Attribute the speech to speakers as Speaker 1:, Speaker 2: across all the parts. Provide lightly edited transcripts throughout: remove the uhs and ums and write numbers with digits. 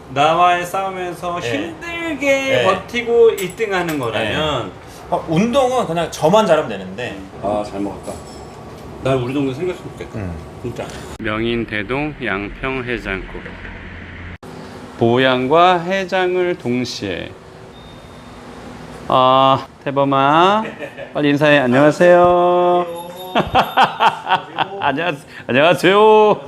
Speaker 1: 나와의 싸움에서
Speaker 2: 네.
Speaker 1: 힘들게
Speaker 2: 네.
Speaker 1: 버티고 1등하는 거라면
Speaker 2: 운동은 그냥 저만 잘하면 되는데.
Speaker 1: 아, 잘 먹었다. 나 우리 동네 생겼으면 좋겠다. 진짜. 명인대동 양평해장국. 보양과 해장을 동시에. 아, 태범아, 빨리 인사해. 안녕하세요. 안녕하세요.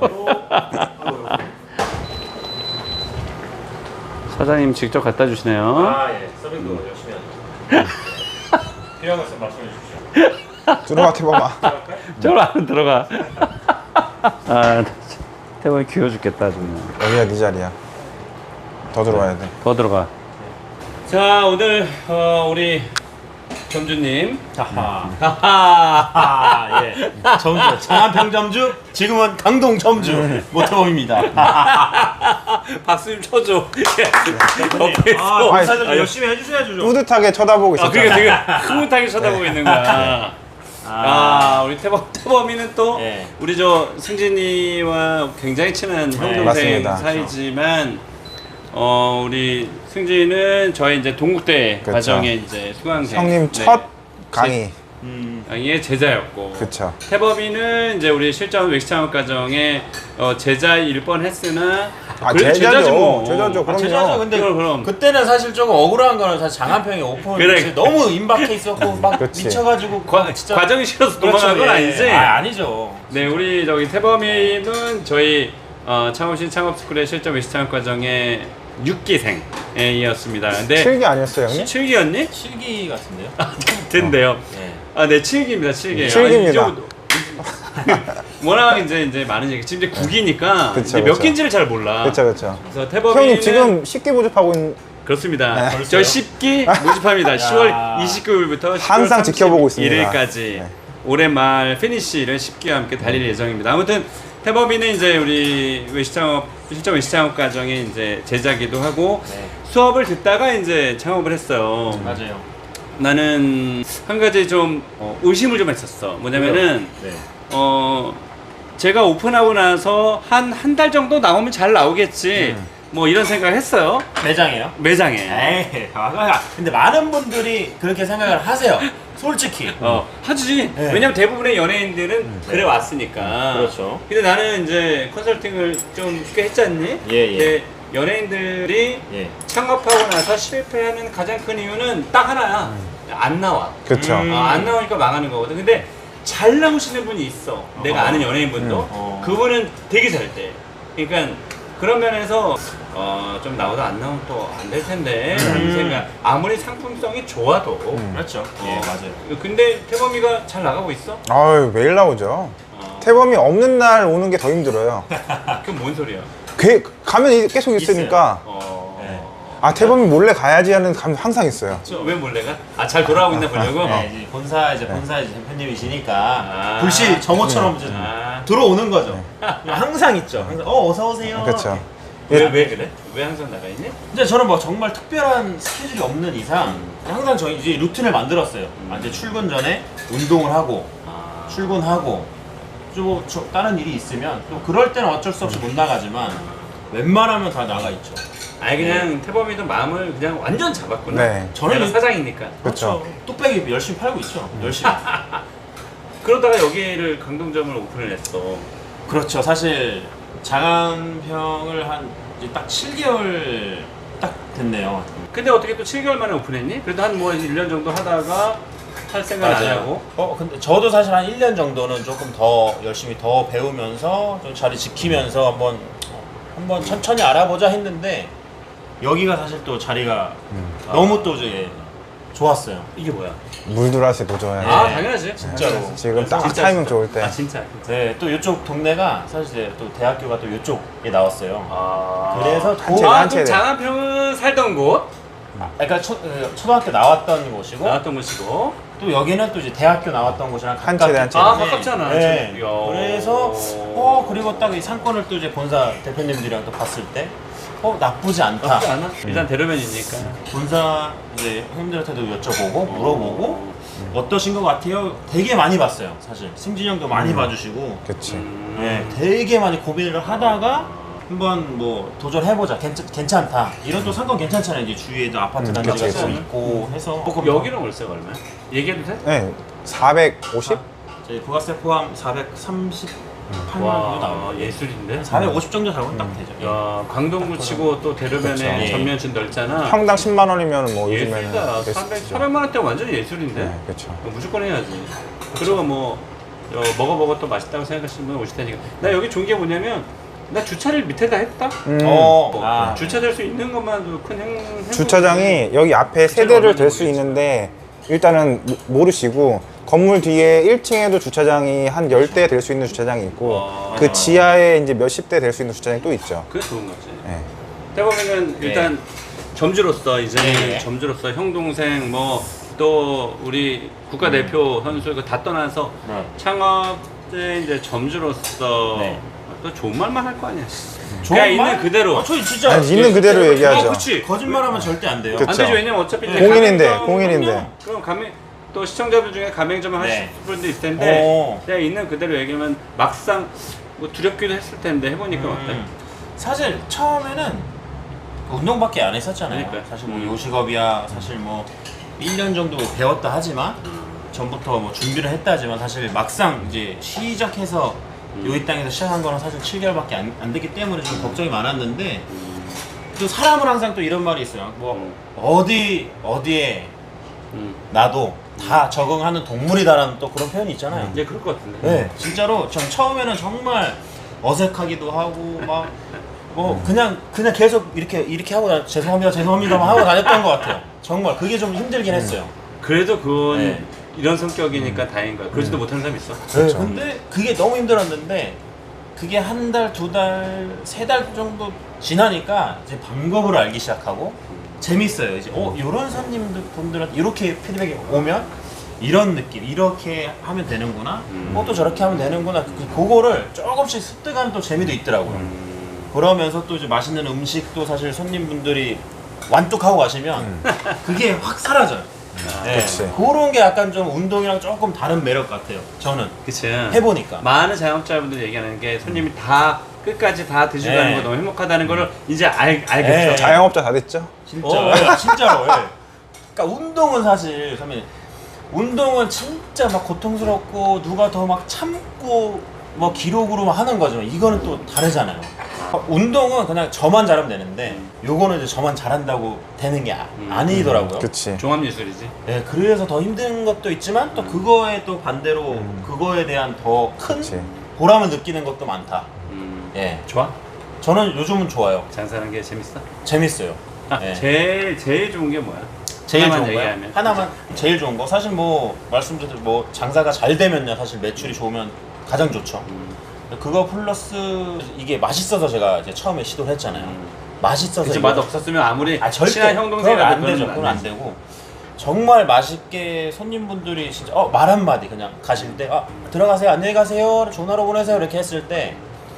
Speaker 1: 사장님 직접 갖다 주시네요.
Speaker 2: 아, 예. 서빙도 열심히 하죠. 필요한 거 있으면 말씀해 주십시오.
Speaker 3: 들어가 태범아.
Speaker 1: 저로 안 들어가. 아, 태범이 귀여워 죽겠다 정말.
Speaker 3: 여기가 네 자리야. 더 들어와야 돼.
Speaker 1: 더 들어가. 자, 오늘 우리 점주님.
Speaker 2: 하하.
Speaker 1: 하하.
Speaker 2: 아, 예. 점주. 장안평 점주. 지금은 강동 점주. 모태범입니다.
Speaker 1: 박수 좀 쳐줘.
Speaker 2: 아,
Speaker 1: 옆에서.
Speaker 2: 인사 좀 열심히 해주셔야죠. 좀.
Speaker 3: 뿌듯하게 쳐다보고 있었잖아.
Speaker 1: 그러니까 지금 흐뭇하게 쳐다보고 있는 거야. 우리 태범이는 또
Speaker 2: 예.
Speaker 1: 우리 저 승진이와 굉장히 친한 형 동생
Speaker 3: 맞습니다.
Speaker 1: 사이지만 우리 승진은 저희 이제 동국대
Speaker 3: 그쵸.
Speaker 1: 과정의 이제 수강생.
Speaker 3: 형님
Speaker 1: 네.
Speaker 3: 첫 강의.
Speaker 1: 강의의 제자였고.
Speaker 3: 그쵸.
Speaker 1: 태범이는 이제 우리 실전 웨스트하우스 과정의 제자일 뻔했으나 그래도
Speaker 3: 제자죠.
Speaker 1: 뭐.
Speaker 3: 제자죠. 그럼요.
Speaker 2: 제자죠. 근데
Speaker 1: 그럼.
Speaker 2: 그때는 사실 조금 억울한 거는 사실 장안평이 오픈
Speaker 1: 그래.
Speaker 2: 너무 임박해 있었고 막
Speaker 3: 그치.
Speaker 2: 미쳐가지고 진짜
Speaker 1: 과정이 싫어서
Speaker 2: 그렇죠,
Speaker 1: 도망간 건
Speaker 2: 예.
Speaker 1: 아니지?
Speaker 2: 아니죠.
Speaker 1: 네, 우리 저기 태범이는 저희 창업신 창업스쿨의 실전 웨스트하우스 과정의 6기생이었습니다. 근데
Speaker 3: 7기 아니었어요, 형님?
Speaker 1: 7기였니?
Speaker 2: 7기 같은데요?
Speaker 1: 된대요.
Speaker 2: 네.
Speaker 1: 네, 7기입니다. 7기.
Speaker 3: 7기입니다.
Speaker 1: 워낙 이제 많은 얘기. 지금 이제 9기니까
Speaker 3: 그쵸,
Speaker 1: 이제 몇
Speaker 3: 그쵸.
Speaker 1: 기인지를 잘 몰라.
Speaker 3: 그쵸.
Speaker 1: 그래서 태범이는
Speaker 3: 형님 지금 10기 모집하고 있는
Speaker 1: 그렇습니다.
Speaker 3: 네.
Speaker 1: 저 10기 모집합니다. 10월 29일부터 10월
Speaker 3: 항상 지켜보고 있습니다.
Speaker 1: 1일까지
Speaker 3: 네.
Speaker 1: 올해 말 피니쉬를 10기와 함께 달릴 예정입니다. 아무튼 태범이는 이제 우리 실전 외식창업 과정에 이제 제자기도 하고
Speaker 2: 네.
Speaker 1: 수업을 듣다가 이제 창업을 했어요.
Speaker 2: 맞아요.
Speaker 1: 나는 한 가지 좀 의심을 좀 했었어. 뭐냐면은
Speaker 2: 네.
Speaker 1: 제가 오픈하고 나서 한 달 정도 나오면 잘 나오겠지. 뭐 이런 생각을 했어요.
Speaker 2: 매장이에요?
Speaker 1: 매장에.
Speaker 2: 에이, 근데 많은 분들이 그렇게 생각을 하세요. 솔직히.
Speaker 1: 하지.
Speaker 2: 네.
Speaker 1: 왜냐면 대부분의 연예인들은 그래 왔으니까.
Speaker 2: 그렇죠.
Speaker 1: 근데 나는 이제 컨설팅을 좀 꽤 했잖니?
Speaker 2: 예.
Speaker 1: 근데 연예인들이
Speaker 2: 예.
Speaker 1: 창업하고 나서 실패하는 가장 큰 이유는 딱 하나야. 안 나와.
Speaker 3: 그쵸.
Speaker 1: 안 나오니까 망하는 거거든. 근데 잘 나오시는 분이 있어. 내가 아는 연예인분도. 그분은 되게 잘 돼. 그러니까 그런 면에서 좀 나오다 안 나오면 또 안 될 텐데 라는 생각. 아무리 상품성이 좋아도
Speaker 2: 그렇죠. 예, 맞아요.
Speaker 1: 근데 태범이가 잘 나가고 있어?
Speaker 3: 아유, 매일 나오죠. 태범이 없는 날 오는 게 더 힘들어요.
Speaker 1: 그건 뭔 소리야?
Speaker 3: 가면 계속 있으니까.
Speaker 2: 네.
Speaker 3: 아, 태범이 몰래 가야지 하는 감이 항상 있어요.
Speaker 1: 왜 몰래가? 잘 돌아오고 있나 보려고?
Speaker 2: 네, 이제 본사 대표님이시니까
Speaker 1: 아.
Speaker 2: 불시 점호처럼 이제
Speaker 1: 아.
Speaker 2: 들어오는 거죠. 항상 있죠. 항상 어서 오세요.
Speaker 3: 그쵸.
Speaker 1: 왜 그래? 왜 항상 나가 있니?
Speaker 2: 근데 저는 뭐 정말 특별한 스케줄이 없는 이상 항상 저희 이제 루틴을 만들었어요. 이제 출근 전에 운동을 하고 출근하고 좀 다른 일이 있으면 또 그럴 때는 어쩔 수 없이 못 나가지만 웬만하면 다 나가 있죠.
Speaker 1: 아니 그냥 태범이도 마음을 그냥 완전 잡았구나.
Speaker 3: 네.
Speaker 1: 저는
Speaker 2: 저는
Speaker 1: 사장이니까.
Speaker 3: 그쵸.
Speaker 2: 뚝배기 열심히 팔고 있죠. 열심히.
Speaker 1: 그러다가 여기를 강동점을 오픈을 했어.
Speaker 2: 그렇죠. 사실 장안평을 한 이제 딱 7개월 딱 됐네요.
Speaker 1: 근데 어떻게 또 7개월 만에 오픈했니? 그래도 한 뭐 1년 정도 하다가 할 생각 안 하고.
Speaker 2: 근데 저도 사실 한 1년 정도는 조금 더 열심히 더 배우면서 좀 자리 지키면서 한번 천천히 알아보자 했는데 여기가 사실 또 자리가 너무 또 이제 좋았어요.
Speaker 1: 이게 뭐야?
Speaker 3: 물들어서 도전해.
Speaker 1: 당연하지.
Speaker 2: 진짜로.
Speaker 3: 지금 딱
Speaker 1: 진짜
Speaker 3: 타이밍
Speaker 1: 진짜.
Speaker 3: 좋을 때.
Speaker 1: 진짜.
Speaker 2: 네, 또 이쪽 동네가 사실 이제 또 대학교가 또 이쪽에 나왔어요. 그래서
Speaker 3: 한
Speaker 1: 그럼
Speaker 3: 채네.
Speaker 1: 장안평은 살던 곳
Speaker 2: 그러니까 초등학교 나왔던 곳이고
Speaker 1: 나왔던 곳이고.
Speaker 2: 또 여기는 또 이제 대학교 나왔던 곳이랑
Speaker 3: 한
Speaker 2: 가깝기
Speaker 3: 채네, 한 채.
Speaker 2: 때문에
Speaker 1: 가깝잖아.
Speaker 2: 네.
Speaker 1: 이야.
Speaker 2: 그래서 그리고 딱 이 상권을 또 이제 본사 대표님들이랑 또 봤을 때 나쁘지 않다.
Speaker 1: 나쁘지 않아? 일단 대로변이니까.
Speaker 2: 본사 이제 형님들한테도 여쭤보고 물어보고 어떠신 것 같아요? 되게 많이 봤어요. 사실 승진이 형도 많이 봐주시고
Speaker 3: 그치.
Speaker 2: 네, 되게 많이 고민을 하다가 한번 뭐 도전해보자, 괜찮다. 이런 또 상권 괜찮잖아요. 이제 주위에도 아파트 단지가
Speaker 3: 그치,
Speaker 2: 또
Speaker 3: 그치.
Speaker 2: 있고 해서.
Speaker 1: 여기는 월세가 얼마야? 얘기해도 돼?
Speaker 3: 네, 450?
Speaker 2: 저희 부가세 포함 438만 원 정도 나와요.
Speaker 1: 예술인데?
Speaker 2: 450 정도 잡으면 딱 되죠.
Speaker 1: 야, 강동구 치고 또 대로변에
Speaker 2: 그렇죠.
Speaker 1: 전면층 넓잖아.
Speaker 3: 평당 10만 원이면 뭐
Speaker 1: 예술이다.
Speaker 3: 요즘에는
Speaker 1: 400만 원대 완전 예술인데?
Speaker 3: 네, 그렇죠.
Speaker 1: 무조건 해야지. 그리고 뭐 먹어 또 맛있다고 생각하시는 분 오실 테니까. 나 여기 좋은 게 뭐냐면 나 주차를 밑에다 했다. 주차될 수 있는 것만도 큰 행복.
Speaker 3: 주차장이 여기 앞에 세 대를 댈 수 있는데 일단은 모르시고 건물 뒤에 1층에도 주차장이 한 10대 될 수 있는 주차장이 있고 그 지하에 이제 몇십 대 될 수 있는 주차장이 또 있죠.
Speaker 1: 그게 좋은 거지.
Speaker 3: 네.
Speaker 1: 해보면은 일단 점주로서 이제
Speaker 2: 네.
Speaker 1: 점주로서 형 동생 뭐 또 우리 국가대표 선수 이거 다 떠나서
Speaker 2: 네.
Speaker 1: 창업대 이제 점주로서
Speaker 2: 네.
Speaker 1: 또 좋은 말만 할 거 아니야.
Speaker 2: 좋은
Speaker 1: 그냥
Speaker 2: 말?
Speaker 1: 있는 그대로.
Speaker 2: 저희 진짜
Speaker 3: 아니, 있는 그대로 얘기하죠.
Speaker 1: 그치.
Speaker 2: 거짓말하면 절대 안 돼요.
Speaker 3: 그쵸.
Speaker 1: 안 되죠. 왜냐면 어차피 이제
Speaker 3: 공인인데,
Speaker 1: 가맹점-
Speaker 3: 공인인데.
Speaker 1: 그럼 또 시청자분 중에 가맹점을
Speaker 2: 네.
Speaker 1: 하실 분도 있을 텐데
Speaker 2: 오.
Speaker 1: 그냥 있는 그대로 얘기하면 막상 뭐 두렵기도 했을 텐데 해보니까 어때?
Speaker 2: 사실 처음에는 운동밖에 안 했었잖아요.
Speaker 1: 그러니까요.
Speaker 2: 사실 뭐 요식업이야 사실 뭐 1년 정도 배웠다 하지만 전부터 뭐 준비를 했다 하지만 사실 막상 이제 시작해서 요 땅에서 시작한 거는 사실 7개월밖에 안 됐기 때문에 좀 걱정이 많았는데 또 사람은 항상 또 이런 말이 있어요. 뭐 어디에 나도 다 적응하는 동물이다라는 또 그런 표현이 있잖아요.
Speaker 1: 이제 그럴 것 같은데.
Speaker 2: 네, 진짜로 전 처음에는 정말 어색하기도 하고 막 뭐 그냥 계속 이렇게 하고 죄송합니다만 하고 다녔던 것 같아요. 정말 그게 좀 힘들긴 했어요.
Speaker 1: 그래도 그건
Speaker 2: 네.
Speaker 1: 이런 성격이니까 다행인 거야. 그러지도 못하는 사람 있어.
Speaker 2: 네, 근데 그게 너무 힘들었는데 그게 한 달, 두 달, 세 달 정도 지나니까 이제 방법을 알기 시작하고 재밌어요. 이제 이런 손님들 분들한테 이렇게 피드백이 오면 이런 느낌, 이렇게 하면 되는구나. 또 저렇게 하면 되는구나. 그거를 조금씩 습득하는 또 재미도 있더라고요. 그러면서 또 이제 맛있는 음식도 사실 손님분들이 완뚝하고 가시면 그게 확 사라져요. 네.
Speaker 3: 그치.
Speaker 2: 그런 게 약간 좀 운동이랑 조금 다른 매력 같아요. 저는
Speaker 1: 그치.
Speaker 2: 해보니까.
Speaker 1: 많은 자영업자분들이 얘기하는 게 손님이 다 끝까지 다 드시고 가는
Speaker 2: 네.
Speaker 1: 거 너무 행복하다는 거를 이제 알겠죠.
Speaker 2: 네.
Speaker 3: 자영업자 다 됐죠?
Speaker 2: 진짜, 진짜로. 예. 그러니까 운동은 사실 선배님, 운동은 진짜 막 고통스럽고 누가 더 막 참고 뭐 기록으로 하는 거지만 이거는 또 다르잖아요. 운동은 그냥 저만 잘하면 되는데 요거는 이제 저만 잘한다고 되는 게 아니더라고요.
Speaker 3: 그치.
Speaker 1: 종합예술이지.
Speaker 2: 네, 그래서 더 힘든 것도 있지만 또 그거에 또 반대로 그거에 대한 더 큰
Speaker 3: 그치.
Speaker 2: 보람을 느끼는 것도 많다. 예,
Speaker 1: 좋아?
Speaker 2: 저는 요즘은 좋아요.
Speaker 1: 장사하는 게 재밌어?
Speaker 2: 재밌어요.
Speaker 1: 아,
Speaker 2: 예.
Speaker 1: 제일 좋은 게 뭐야?
Speaker 2: 제일
Speaker 1: 하나만
Speaker 2: 좋은 거
Speaker 1: 얘기하면.
Speaker 2: 하나만 제일 좋은 거 사실 뭐 말씀드린 뭐 장사가 잘 되면요 사실 매출이 좋으면 가장 좋죠. 그거 플러스 이게 맛있어서 제가 이제 처음에 시도를 했잖아요. 맛있어서
Speaker 1: 그치,
Speaker 2: 이거-
Speaker 1: 맛 없었으면 아무리
Speaker 2: 절대
Speaker 1: 친한 형
Speaker 2: 그건
Speaker 1: 동생이라도
Speaker 2: 안 되죠. 그건 안 되고 정말 맛있게 손님분들이 진짜 말 한마디 그냥 가실 때 들어가세요 안녕히 가세요 전화로 보내세요 이렇게 했을 때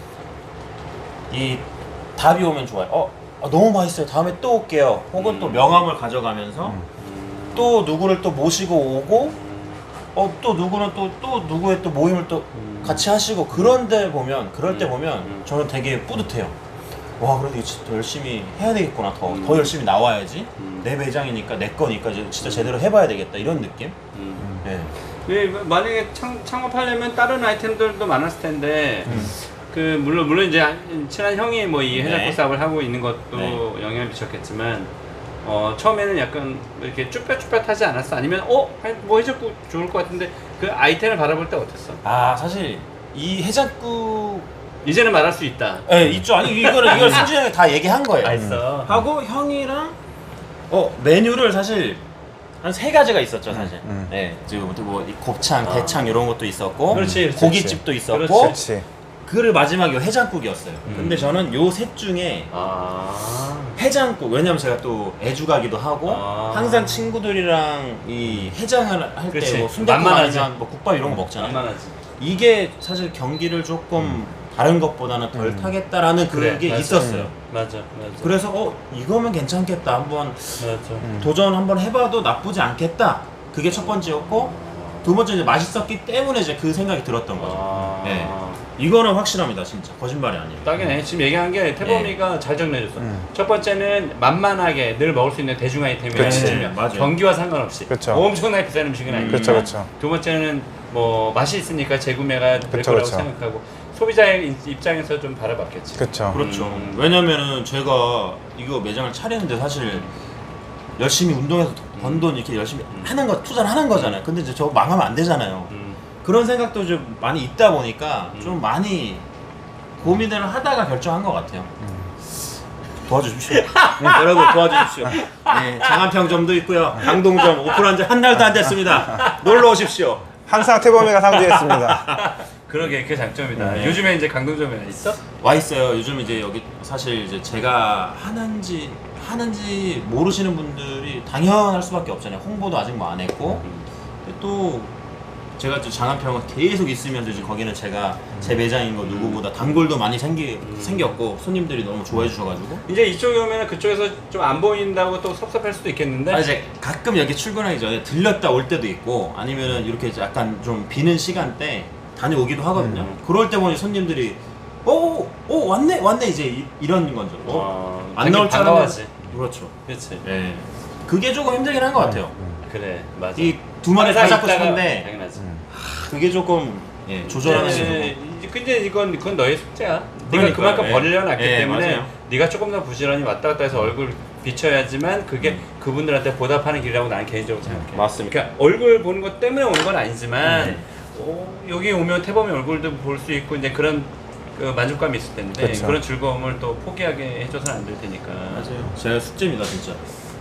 Speaker 2: 이 답이 오면 좋아요. 너무 맛있어요. 다음에 또 올게요. 혹은 또 명함을 가져가면서 또 누구를 또 모시고 오고 또 누구는 또 누구의 또 모임을 또 같이 하시고 그럴 때 보면 저는 되게 뿌듯해요. 와 그래도 이거 진짜 더 열심히 해야 되겠구나. 더 열심히 나와야지. 내 매장이니까 내 거니까 이제 진짜 제대로 해봐야 되겠다 이런 느낌. 네.
Speaker 1: 만약에 창업하려면 다른 아이템들도 많았을 텐데 물론 이제 친한 형이 뭐 이 해장국
Speaker 2: 네.
Speaker 1: 사업을 하고 있는 것도
Speaker 2: 네.
Speaker 1: 영향을 미쳤겠지만 처음에는 약간 이렇게 쭈뼛쭈뼛하지 않았어? 아니면 뭐 해장국 좋을 것 같은데 그 아이템을 바라볼 때 어땠어?
Speaker 2: 사실 이 해장국
Speaker 1: 이제는 말할 수 있다.
Speaker 2: 있죠. 아니 이걸 승준이 형이 다 얘기한 거예요.
Speaker 1: 알았어.
Speaker 2: 하고 형이랑 메뉴를 사실 한 3가지가 있었죠 사실. 네, 지금 뭐 이 곱창, 대창 이런 것도 있었고,
Speaker 1: 그렇지,
Speaker 2: 고깃집도 있었고,
Speaker 3: 그렇지.
Speaker 2: 그를 마지막에 해장국이었어요. 근데 저는 요 셋 중에 해장국, 왜냐면 제가 또 애주가기도 하고 항상 친구들이랑 이 해장을 할
Speaker 1: 그렇지.
Speaker 2: 때 뭐 순댓국
Speaker 1: 만만하지.
Speaker 2: 아니면 뭐 국밥 이런 거 먹잖아요.
Speaker 1: 만만하지.
Speaker 2: 이게 사실 경기를 조금 다른 것보다는 덜 타겠다라는 그게
Speaker 1: 맞아.
Speaker 2: 있었어요.
Speaker 1: 맞아.
Speaker 2: 그래서 이거면 괜찮겠다. 한번
Speaker 1: 맞아.
Speaker 2: 도전 한번 해봐도 나쁘지 않겠다. 그게 첫 번째였고 두 번째 이제 맛있었기 때문에 이제 그 생각이 들었던 거죠. 네. 이거는 확실합니다, 진짜. 거짓말이 아니에요.
Speaker 1: 딱이네. 지금 얘기한 게 태범이가 잘 정리해줬어. 첫 번째는 만만하게 늘 먹을 수 있는 대중 아이템이라는
Speaker 3: 그치.
Speaker 1: 측면.
Speaker 2: 맞아요.
Speaker 1: 경기와 상관없이.
Speaker 3: 그쵸.
Speaker 1: 엄청나게 비싼 음식은 아니지만.
Speaker 3: 그쵸, 그쵸.
Speaker 1: 두 번째는 뭐 맛이 있으니까 재구매가 될
Speaker 3: 그쵸,
Speaker 1: 거라고
Speaker 3: 그쵸.
Speaker 1: 생각하고 소비자의 입장에서 좀 바라봤겠지.
Speaker 3: 그쵸.
Speaker 2: 그렇죠. 왜냐면은 제가 이거 매장을 차리는데 사실 열심히 운동해서 번 돈 이렇게 열심히 하는 거, 투자를 하는 거잖아요. 근데 이제 저거 망하면 안 되잖아요. 그런 생각도 좀 많이 있다 보니까 좀 많이 고민을 하다가 결정한 것 같아요. 도와주십시오. 여러분 도와주십시오. 네, 장안평점도 있고요. 강동점 오픈한 지 한 달도 안 됐습니다. 놀러 오십시오.
Speaker 3: 항상 태범이가 상주했습니다.
Speaker 1: 그러게 그게 장점이다.
Speaker 2: 네.
Speaker 1: 요즘에 이제 강동점에 있어?
Speaker 2: 와 있어요. 요즘 이제 여기 사실 이제 제가 하는지 모르시는 분들이 당연할 수밖에 없잖아요. 홍보도 아직 뭐 안 했고, 근데 또 제가 이제 장안평은 계속 있으면서 이제 거기는 제가 제 매장인 거 누구보다 단골도 많이 생겼고 손님들이 너무 좋아해 주셔가지고.
Speaker 1: 이제 이쪽에 오면 그쪽에서 좀 안 보인다고 또 섭섭할 수도 있겠는데.
Speaker 2: 아, 이제 가끔 여기 출근하기 전에 들렸다 올 때도 있고 아니면은 이렇게 이제 약간 좀 비는 시간대 다녀오기도 하거든요. 그럴 때 보니 손님들이 오 왔네 이제 이런 건죠. 안 나올 줄
Speaker 1: 반가워하지.
Speaker 2: 그렇죠.
Speaker 1: 그렇지.
Speaker 2: 네. 그게 조금 힘들긴 한 것 같아요.
Speaker 1: 그래 맞아.
Speaker 2: 이 두 마리 다 잡고 싶은데
Speaker 1: 당연하지.
Speaker 2: 그게 조금 조절하는 게
Speaker 1: 근데 그건 너의 숙제야. 네가
Speaker 2: 그러니까요.
Speaker 1: 그만큼
Speaker 2: 예.
Speaker 1: 벌려놨기
Speaker 2: 예,
Speaker 1: 때문에
Speaker 2: 맞아요.
Speaker 1: 네가 조금 더 부지런히 왔다 갔다 해서 얼굴 비춰야지만 그게 그분들한테 보답하는 길이라고 나는 개인적으로 생각해.
Speaker 2: 맞습니다.
Speaker 1: 그러니까 얼굴 보는 것 때문에 오는 건 아니지만 여기 오면 태범이 얼굴도 볼 수 있고 이제 그런 그 만족감이 있을 텐데
Speaker 3: 그쵸.
Speaker 1: 그런 즐거움을 또 포기하게 해줘서는 안 될 테니까.
Speaker 2: 맞아요. 제가 숙제입니다 진짜.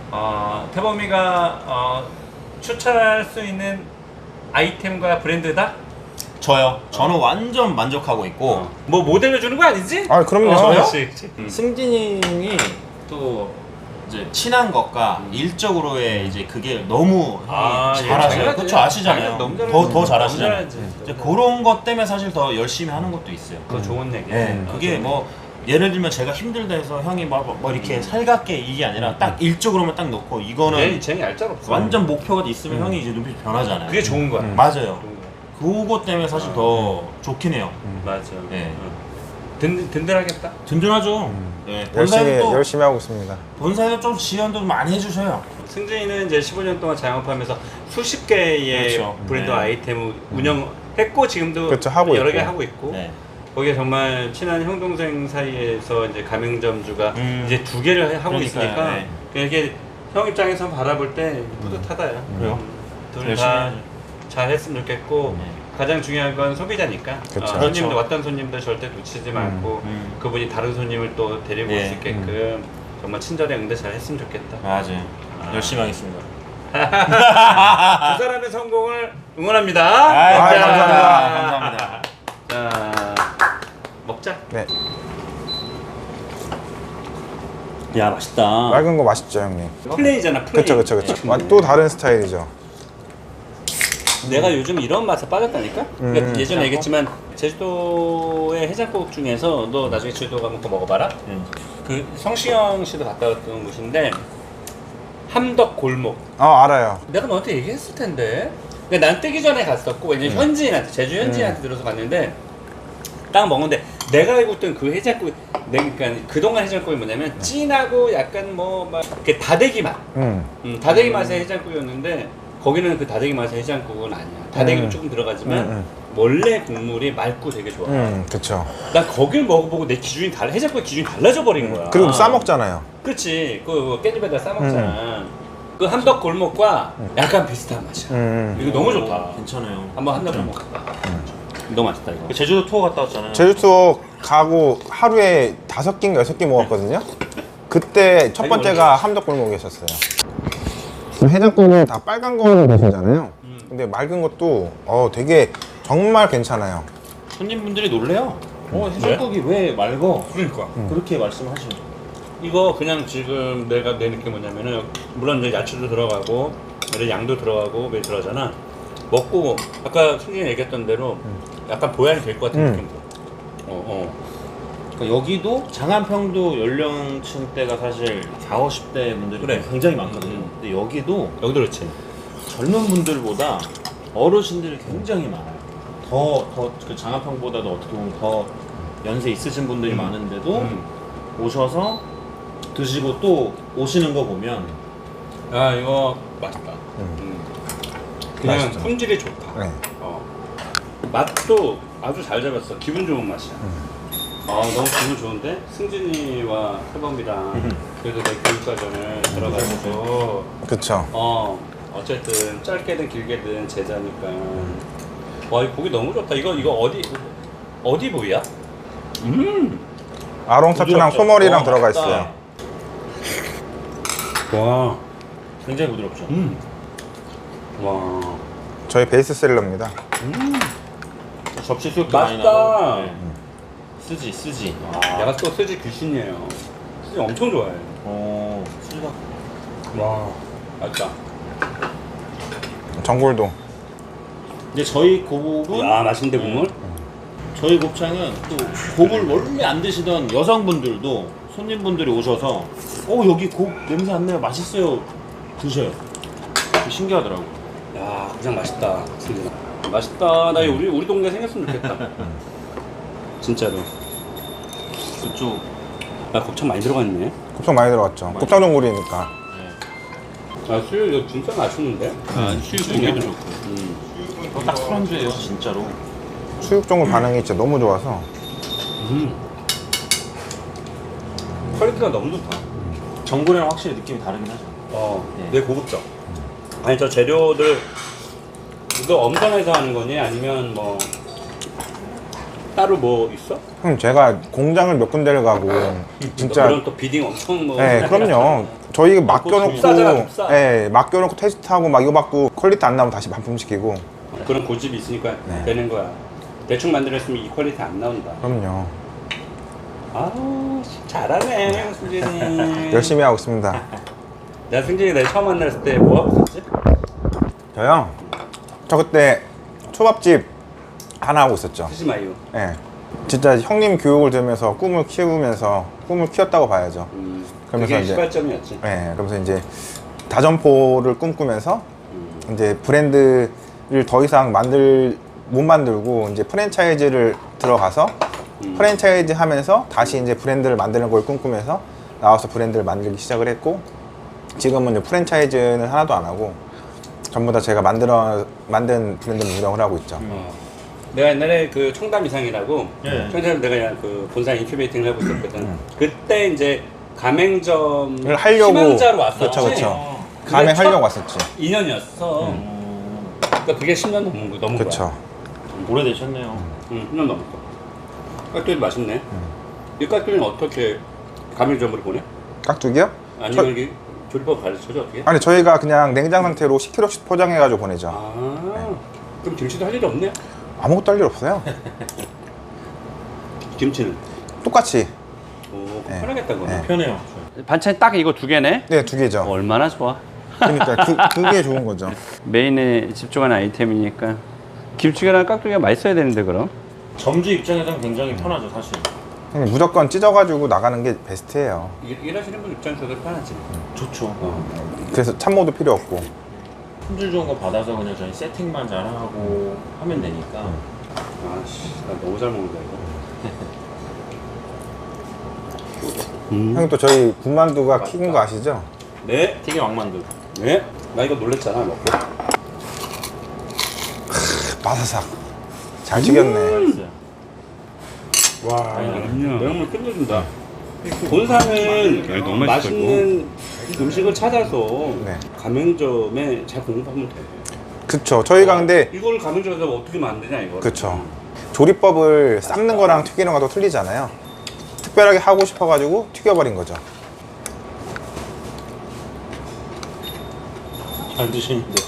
Speaker 1: 태범이가 추천할 수 있는 아이템과 브랜드다?
Speaker 2: 저요. 저는 완전 만족하고 있고
Speaker 1: 뭐 모델로 주는 거 아니지?
Speaker 3: 아, 그럼요.
Speaker 1: 그렇지, 그렇지.
Speaker 2: 승진이 형이 또 이제 친한 것과 일적으로의 이제 그게 너무 형이 잘하셔요. 그렇죠, 아시잖아요.
Speaker 1: 너무
Speaker 2: 더 잘하시잖아요.
Speaker 1: 잘하지.
Speaker 2: 이제 그런 것 때문에 사실 더 열심히 하는 것도 있어요.
Speaker 1: 그거 좋은 얘기야.
Speaker 2: 네, 그게 뭐 예를 들면 제가 힘들다 해서 형이 뭐 이렇게 살갑게 이게 아니라 딱 일적으로만 딱 놓고 이거는
Speaker 1: 쟤는 얄짤 없어.
Speaker 2: 완전 목표가 있으면 형이 이제 눈빛이 변하잖아요.
Speaker 1: 그게 좋은 거야.
Speaker 2: 맞아요.
Speaker 1: 좋은 거야.
Speaker 2: 그거 때문에 사실 더 좋긴 해요.
Speaker 1: 맞아.
Speaker 2: 네.
Speaker 1: 든든하겠다.
Speaker 2: 든든하죠. 네, 본사에도
Speaker 3: 열심히 하고 있습니다.
Speaker 2: 본사에도 좀 지원도 많이 해주셔요.
Speaker 1: 승진이는 이제 15년 동안 자영업하면서 수십 개의
Speaker 2: 그렇죠.
Speaker 1: 브랜드
Speaker 2: 네.
Speaker 1: 아이템을 운영했고 지금도
Speaker 3: 그렇죠, 하고
Speaker 1: 여러 개
Speaker 3: 있고.
Speaker 1: 하고 있고.
Speaker 2: 네.
Speaker 1: 거기에 정말 친한 형 동생 사이에서 이제 가맹점주가 이제 2개를 하고
Speaker 2: 그러니까요,
Speaker 1: 있으니까
Speaker 2: 네.
Speaker 1: 이게 형 입장에서 바라볼 때 뿌듯하다. 야.
Speaker 2: 그래요?
Speaker 1: 둘
Speaker 2: 열심히
Speaker 1: 다
Speaker 2: 해야죠.
Speaker 1: 잘했으면 좋겠고
Speaker 2: 네.
Speaker 1: 가장 중요한 건 소비자니까
Speaker 3: 그쵸.
Speaker 1: 손님들
Speaker 2: 그렇죠.
Speaker 1: 왔던 손님들 절대 놓치지 말고 그분이 다른 손님을 또 데리고 올 수
Speaker 2: 네.
Speaker 1: 있게끔 정말 친절히 응대 잘 했으면 좋겠다.
Speaker 2: 맞아요. 열심히 하겠습니다.
Speaker 1: 두 사람의 성공을 응원합니다.
Speaker 3: 감사합니다.
Speaker 2: 감사합니다.
Speaker 1: 자, 먹자.
Speaker 3: 네.
Speaker 1: 야, 맛있다.
Speaker 3: 맑은 거 맛있죠, 형님?
Speaker 1: 플레이잖아, 플레이.
Speaker 3: 그쵸. 또 다른 스타일이죠.
Speaker 1: 내가 요즘 이런 맛에 빠졌다니까? 그러니까 예전에 얘기했지만 제주도의 해장국 중에서 너 나중에 제주도 가면 그거 먹어봐라. 그 성시경 씨도 갔다 왔던 곳인데 함덕 골목.
Speaker 3: 알아요.
Speaker 1: 내가 너한테 얘기했을 텐데. 근데 난 뜨기 전에 갔었고 왜냐면 현지인한테 제주 현지인한테 들어서 갔는데 딱 먹는데 내가 알고 있던 그 해장국 그러니까 그동안 해장국이 뭐냐면 진하고 약간 뭐 막 이렇게 다대기 맛. 다대기 맛의 해장국이었는데 거기는 그 다대기 맛의 해장국은 아니야. 다대기도 조금 들어가지만 원래 국물이 맑고 되게 좋아.
Speaker 3: 그쵸.
Speaker 1: 난 거길 먹어보고 내 기준이 해장국의 기준이 달라져 버린 거야.
Speaker 3: 그리고 싸먹잖아요.
Speaker 1: 그렇지. 그 깻잎에다 싸먹잖아. 그 함덕 골목과 약간 비슷한 맛이야. 이거 너무 좋다.
Speaker 2: 괜찮아요.
Speaker 1: 한번 함덕 골목 가봐. 너무 맛있다 이거.
Speaker 2: 제주도 투어 갔다 왔잖아요.
Speaker 3: 제주도 가고 하루에 5끼인가 6끼 먹었거든요. 그때 첫 번째가 함덕골목이었어요. 해장국은 다 빨간 거는 드시잖아요. 근데 맑은 것도 되게 정말 괜찮아요.
Speaker 2: 손님분들이 놀래요. 해장국이 왜 맑어?
Speaker 1: 그러니까.
Speaker 2: 그렇게 말씀하시죠.
Speaker 1: 이거 그냥 지금 내가 내 느낌 뭐냐면은 물론 이제 야채도 들어가고 양도 들어가고 매 들어가잖아. 먹고 아까 승진이 얘기했던 대로 약간 보양이 될 것 같은 느낌 들어.
Speaker 2: 그러니까 여기도 장안평도 연령층대가 사실 40, 50대 분들이
Speaker 1: 그래.
Speaker 2: 굉장히 많거든요. 근데 여기도
Speaker 1: 여기도 그렇지.
Speaker 2: 젊은 분들보다 어르신들이 굉장히 많아요. 그 장합형보다도 어떻게 보면 더 연세 있으신 분들이 많은데도 오셔서 드시고 또 오시는 거 보면
Speaker 1: 야 이거 맛있다. 그냥
Speaker 3: 맛있죠.
Speaker 1: 품질이 좋다.
Speaker 3: 네.
Speaker 1: 맛도 아주 잘 잡았어. 기분 좋은 맛이야. 너무 기분 좋은데 승진이와 태범이랑 그래도 내 교육과정을 들어가지고
Speaker 3: 그쵸.
Speaker 1: 어쨌든 짧게든 길게든 제자니까 와 이 고기 너무 좋다. 이거 어디 부위야?
Speaker 3: 아롱타투랑
Speaker 2: 부드럽죠?
Speaker 3: 소머리랑 들어가
Speaker 1: 맞다.
Speaker 3: 있어요.
Speaker 1: 와.
Speaker 2: 굉장히 부드럽죠.
Speaker 1: 와.
Speaker 3: 저희 베이스셀러입니다.
Speaker 2: 접시 수육도 많이
Speaker 1: 맛있다.
Speaker 2: 나고. 네. 쓰지.
Speaker 1: 내가 또 스지 귀신이에요. 스지 엄청 좋아해.
Speaker 2: 수지가
Speaker 1: 와. 맛있다.
Speaker 3: 전골도.
Speaker 2: 근데 저희 고복은
Speaker 1: 야 맛있는데 국물?
Speaker 2: 저희 곱창은 또 곱을 원래 안 드시던 여성분들도 손님분들이 오셔서 여기 곱 냄새 안 나요 맛있어요 드셔요. 신기하더라고.
Speaker 1: 야 곱창 맛있다. 승진아. 맛있다. 나 우리 동네 생겼으면 좋겠다. 진짜로.
Speaker 2: 그쪽
Speaker 1: 나 곱창 많이 들어갔네.
Speaker 3: 곱창 많이 들어갔죠. 곱창 전골이니까.
Speaker 1: 수육 이거 진짜 맛있는데? 수육
Speaker 2: 수육도 좋고. 딱 술안주예요 진짜로.
Speaker 3: 수육 전골 반응이 진짜 너무 좋아서.
Speaker 1: 퀄리티가 너무 좋다.
Speaker 2: 전골이랑 확실히 느낌이 다르긴 하죠.
Speaker 1: 내 고급져. 아니 저 재료들 이거 엄선해서 하는 거니? 아니면 뭐 따로 뭐 있어?
Speaker 3: 형 제가 공장을 몇 군데를 가고 진짜
Speaker 1: 그럼 또 비딩 엄청 뭐.
Speaker 3: 네, 그럼요. 저희 맡겨놓고,
Speaker 1: kup사잖아, kup사.
Speaker 3: 네, 맡겨놓고 테스트하고 막 이거 받고 퀄리티 안 나오면 다시 반품시키고.
Speaker 1: 그런 고집이 있으니까
Speaker 3: 네.
Speaker 1: 되는 거야. 대충 만들었으면 이 퀄리티 안 나온다.
Speaker 3: 그럼요.
Speaker 1: 아우 잘하네 승진이.
Speaker 3: 열심히 하고 있습니다.
Speaker 1: 내가 승진이 내 처음 만났을 때 뭐 하고 있었지?
Speaker 3: 저요? 저 그때 초밥집 하나 하고 있었죠.
Speaker 1: 스시마유.
Speaker 3: 네. 진짜 형님 교육을 들으면서 꿈을 키우면서 꿈을 키웠다고 봐야죠. 그러면서
Speaker 1: 그게
Speaker 3: 이제
Speaker 1: 시발점이었지.
Speaker 3: 네, 그러면서 이제 다점포를 꿈꾸면서 이제 브랜드를 더 이상 못 만들고 이제 프랜차이즈를 들어가서 프랜차이즈 하면서 다시 이제 브랜드를 만드는 걸 꿈꾸면서 나와서 브랜드를 만들기 시작을 했고 지금은 이제 프랜차이즈는 하나도 안 하고 전부 다 제가 만든 브랜드를 운영을 하고 있죠.
Speaker 1: 내가 옛날에 그 청담 이상이라고
Speaker 2: 네.
Speaker 1: 청담 내가 그냥 그 본사 인큐베이팅을 하고 있었거든. 그때 이제 가맹점을
Speaker 3: 하려고
Speaker 1: 희망자로 왔었지.
Speaker 3: 그쵸. 가맹하려고 왔었지.
Speaker 1: 2년이었어. 그러니까 그게 10년 넘은 거야.
Speaker 3: 그쵸.
Speaker 2: 오래되셨네요.
Speaker 1: 10년 넘었어. 깍두기 맛있네. 이 깍두기는 어떻게 가맹점으로 보내?
Speaker 3: 깍두기요?
Speaker 1: 아니면 여기 조리법 가르쳐줘 어떻게?
Speaker 3: 아니 저희가 그냥 냉장 상태로 10kg씩 포장해가지고 보내죠.
Speaker 1: 그럼 김치도 할 일이 없네?
Speaker 3: 아무것도 할 일 없어요.
Speaker 1: 김치는?
Speaker 3: 똑같이.
Speaker 1: 오,
Speaker 3: 네.
Speaker 1: 편하겠다 그거.
Speaker 3: 네.
Speaker 2: 편해요.
Speaker 1: 반찬이 딱 이거 두 개네?
Speaker 3: 네, 두 개죠.
Speaker 1: 얼마나 좋아.
Speaker 3: 그러니까 그게 좋은 거죠.
Speaker 1: 메인에 집중하는 아이템이니까 김치랑 깍두기가 맛있어야 되는데 그럼?
Speaker 2: 점주 입장에서는 굉장히 편하죠 사실.
Speaker 3: 그냥 무조건 찢어가지고 나가는 게 베스트예요.
Speaker 1: 일하시는 분 입장에서도 편하지.
Speaker 2: 좋죠.
Speaker 3: 그래서 참모도 필요 없고.
Speaker 2: 품질 좋은 거 받아서 그냥 저희 세팅만 잘하고 하면 되니까.
Speaker 1: 아씨, 나 너무 잘 먹는다 이거.
Speaker 3: 형님 또 저희 군만두가 튀긴 거 아시죠?
Speaker 1: 네,
Speaker 2: 튀김 왕만두.
Speaker 1: 네. 나 이거 놀랬잖아 먹고.
Speaker 3: 바사삭. 잘 튀겼네.
Speaker 2: 맛있어요.
Speaker 1: 와, 매운물 끝내준다. 본사는 너무 맛있어, 맛있는 음식을 찾아서
Speaker 3: 네.
Speaker 1: 가맹점에 잘 공급하면 돼.
Speaker 3: 그쵸. 저희가 근데
Speaker 1: 이걸 가맹점에서 어떻게 만드냐 이거.
Speaker 3: 그쵸. 조리법을 삶는 거랑 튀기는 거랑 틀리잖아요. 특별하게 하고 싶어가지고 튀겨버린 거죠.
Speaker 2: 잘 드시는데.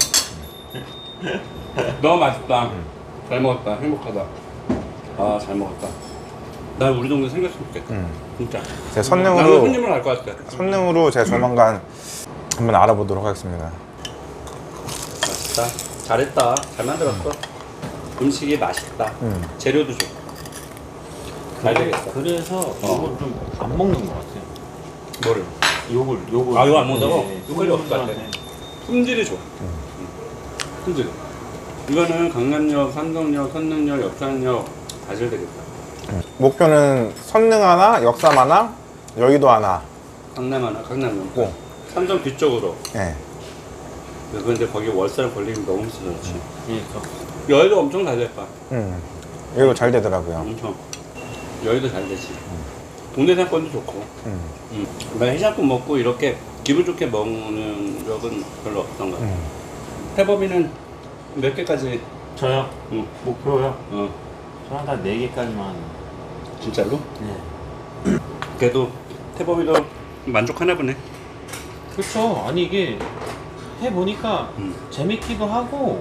Speaker 1: 너무 맛있다. 잘 먹었다. 행복하다. 아, 잘 먹었다. 나 우리 동네 생겼으면 좋겠다. 진짜.
Speaker 3: 제가
Speaker 1: 나는 손님을 알 것 같아.
Speaker 3: 선능으로 제가 조만간 한번 알아보도록 하겠습니다.
Speaker 1: 맛있다. 잘했다. 잘 만들었어. 음식이 맛있다. 재료도 좋고. 잘 되겠다.
Speaker 2: 그래서 이걸 좀 안 먹는 것 같아요.
Speaker 1: 뭐를?
Speaker 2: 요걸.
Speaker 1: 아, 이거 안 먹는다고?
Speaker 2: 네.
Speaker 1: 요걸이 없을 것 같아. 품질이 좋아. 품질. 이거는 강남역, 삼성역, 선릉역, 역삼역 다 잘 되겠다.
Speaker 3: 목표는 선릉 하나, 역삼 하나, 여의도 하나.
Speaker 1: 강남 하나, 강남역.
Speaker 3: 고.
Speaker 1: 삼성 뒤쪽으로.
Speaker 3: 네.
Speaker 1: 근데 거기 월세를 벌리면 너무 쓰잖지.
Speaker 2: 그러니까.
Speaker 1: 여의도 엄청 잘 될 거야.
Speaker 3: 여의도 잘 되더라고요.
Speaker 1: 엄청. 여의도 잘 되지. 동네 상권도 좋고. 내가 해장국 먹고 이렇게 기분 좋게 먹는 적은 별로 없던 것 같아. 태범이는 몇 개까지?
Speaker 2: 저요?
Speaker 1: 응.
Speaker 2: 목표요?
Speaker 1: 어.
Speaker 2: 저는 한 4개까지만.
Speaker 1: 진짜로?
Speaker 2: 네.
Speaker 1: 그래도 태범이도 만족하나 보네.
Speaker 2: 그렇죠. 아니 이게 해보니까 재밌기도 하고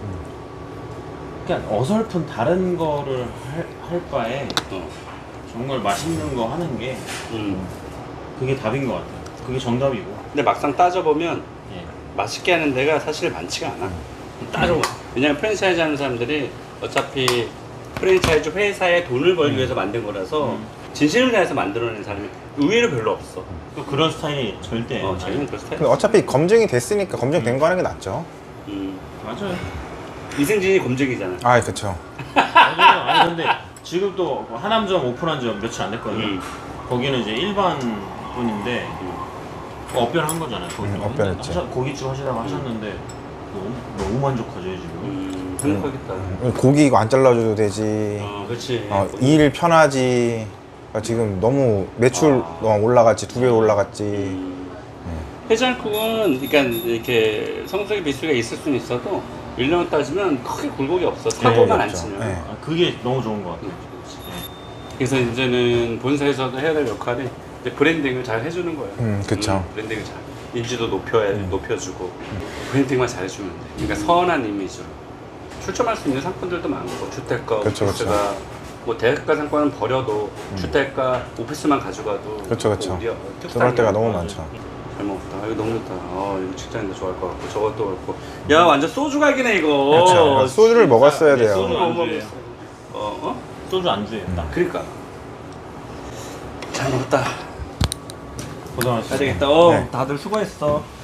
Speaker 2: 그냥 어설픈 다른 거를 할 바에 정말 맛있는 거 하는 게 그게 답인 것 같아요. 그게 정답이고.
Speaker 1: 근데 막상 따져보면
Speaker 2: 예.
Speaker 1: 맛있게 하는 데가 사실 많지가 않아. 따져봐. 왜냐면 프랜차이즈 하는 사람들이 어차피 프랜차이즈 회사에 돈을 벌기 위해서 만든 거라서 진심을 다해서 만들어낸 사람이 의외로 별로 없어.
Speaker 2: 또 그런 스타일이 절대.
Speaker 1: 자기는 그 스타일.
Speaker 3: 근데 어차피 검증이 됐으니까 검증된 거 하는 게 낫죠.
Speaker 2: 맞아요.
Speaker 1: 이승진이 검증이잖아.
Speaker 3: 아, 그쵸.
Speaker 2: 맞아요. 아니 근데 지금 또 하남점 오픈한 지 며칠 안 됐거든요. 거기는 이제 일반 분인데 업변한 거잖아요.
Speaker 3: 업변했지.
Speaker 2: 고깃집 하시다가 하셨는데 너무 만족하죠 지금.
Speaker 1: 행복하겠다.
Speaker 3: 고기 이거 안 잘라줘도 되지.
Speaker 1: 그렇지.
Speaker 3: 일 편하지. 지금 너무 매출 올라갔지. 2배 올라갔지.
Speaker 1: 해장국은 그러니까 이렇게 성수기 비수가 있을 수는 있어도 1년 따지면 크게 굴곡이 없어. 사고만 안
Speaker 3: 없죠.
Speaker 1: 치면.
Speaker 3: 네.
Speaker 2: 그게 너무 좋은 것 같아요.
Speaker 1: 그래서 이제는 본사에서도 해야 될 역할이 이제 브랜딩을 잘 해주는 거예요.
Speaker 3: 그쵸.
Speaker 1: 브랜딩을 잘. 인지도 높여주고 브랜딩만 잘해주면 돼. 그러니까 선한 이미지로 출점할 수 있는 상품들도 많고 주택가,
Speaker 3: 그쵸,
Speaker 1: 오피스가 뭐 대가 상권은 버려도 주택가, 오피스만 가져가도
Speaker 3: 그쵸. 들어갈 때가 너무 많죠.
Speaker 1: 잘 먹었다. 이거 너무 좋다. 이거 직장인도 좋아할 것 같고 저것도 그렇고. 야 완전 소주 각이네 이거.
Speaker 3: 그렇죠. 소주를 먹었어야 돼요.
Speaker 1: 소주 못
Speaker 2: 안주예요.
Speaker 1: 먹었어.
Speaker 2: 소주 안주예요. 딱.
Speaker 1: 그러니까 잘 먹었다.
Speaker 2: 고생하셨어요.
Speaker 1: 가야 되겠다.
Speaker 3: 네.
Speaker 1: 다들 수고했어.